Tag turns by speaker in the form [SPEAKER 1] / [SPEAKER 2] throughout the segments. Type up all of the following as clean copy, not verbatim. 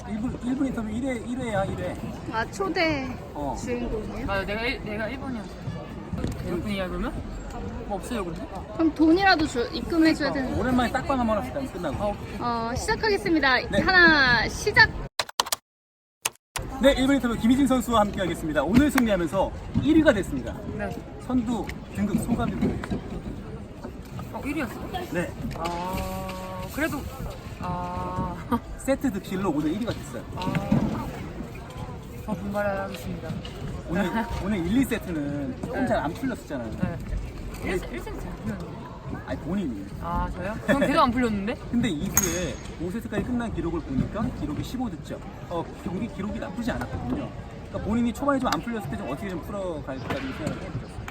[SPEAKER 1] 1분 인터뷰 1회야 1회.
[SPEAKER 2] 아 초대
[SPEAKER 1] 어.
[SPEAKER 2] 주인공이에요?
[SPEAKER 3] 맞아, 내가 1번이었어. 몇 분이야 그러면? 뭐 없어요 그러면?
[SPEAKER 2] 그럼 돈이라도 입금해줘야 되는.
[SPEAKER 1] 오랜만에 딱밤 한번 합시다. 끝나고.
[SPEAKER 2] 시작하겠습니다.
[SPEAKER 1] 네.
[SPEAKER 2] 하나 시작.
[SPEAKER 1] 네, 1분 인터뷰 김희진 선수와 함께 하겠습니다. 오늘 승리하면서 1위가 됐습니다.
[SPEAKER 3] 네.
[SPEAKER 1] 선두 등급 소감 좀 부탁드립니다.
[SPEAKER 3] 1위였어?
[SPEAKER 1] 네.
[SPEAKER 3] 그래도
[SPEAKER 1] 세트 득실로 오늘 1위가 됐어요.
[SPEAKER 3] 더 분발하겠습니다.
[SPEAKER 1] 오늘 1, 2세트는 조금 잘 안 풀렸었잖아요.
[SPEAKER 3] 네. 1승 잘 풀렸는데?
[SPEAKER 1] 아니 본인이.
[SPEAKER 3] 저요? 전 계속 안 풀렸는데?
[SPEAKER 1] 근데 이후에 5세트까지 끝난 기록을 보니까 기록이 15득점. 경기 기록이 나쁘지 않았거든요. 그러니까 본인이 초반에 좀 안 풀렸을 때 좀 어떻게 좀 풀어갈까 좀 생각을 해보셨어요.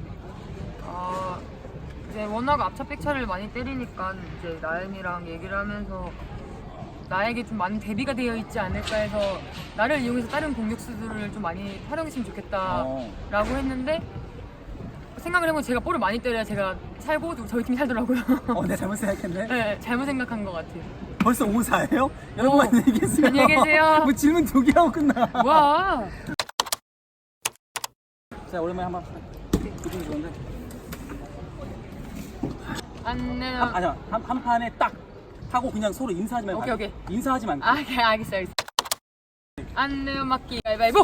[SPEAKER 3] 이제 워낙 앞차 백차를 많이 때리니까 이제 나연이랑 얘기를 하면서 나에게 좀 많은 대비가 되어 있지 않을까 해서 나를 이용해서 다른 공격수들을 좀 많이 활용했으면 좋겠다라고 했는데 생각을 해보면 제가 볼을 많이 때려야 제가 살고 저희 팀이 살더라고요.
[SPEAKER 1] 내가 잘못 생각했네.
[SPEAKER 3] 네, 잘못 생각한 것 같아요.
[SPEAKER 1] 벌써 5-4예요? 여러분 안녕히 계세요.
[SPEAKER 3] 안녕히 계세요.
[SPEAKER 1] 뭐 질문 2개 하고 끝나.
[SPEAKER 3] 와.
[SPEAKER 1] 자, 오랜만에 한번 기분이 좋은데.
[SPEAKER 3] 안내요.
[SPEAKER 1] 한 판에 딱 하고 그냥 서로 인사하지 말고.
[SPEAKER 3] 오케이.
[SPEAKER 1] 인사하지 말고.
[SPEAKER 3] 네, 알겠어. 안내요 맞기 가위바위보.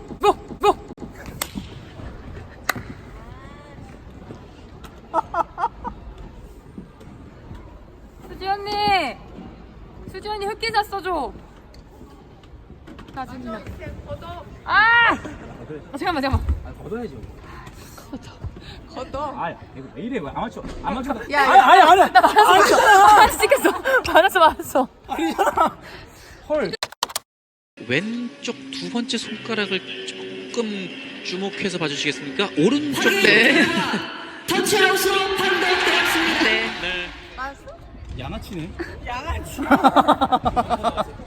[SPEAKER 3] 수지 언니 흑기사 써줘. 짜증나. 잠깐만.
[SPEAKER 1] 걷어야지.
[SPEAKER 3] 걷어.
[SPEAKER 1] 이거 왜 이래? 아마추어.
[SPEAKER 3] 야,
[SPEAKER 1] 아니.
[SPEAKER 3] 나 말았어. 찍혔어. 말았어.
[SPEAKER 1] 아니잖아. 헐.
[SPEAKER 4] 왼쪽 두 번째 손가락을 조금 주목해서 봐주시겠습니까? 오른쪽 네.
[SPEAKER 5] 터치아웃으로 판독되었습니다.
[SPEAKER 4] 네.
[SPEAKER 1] 양아치네.
[SPEAKER 5] 양아치.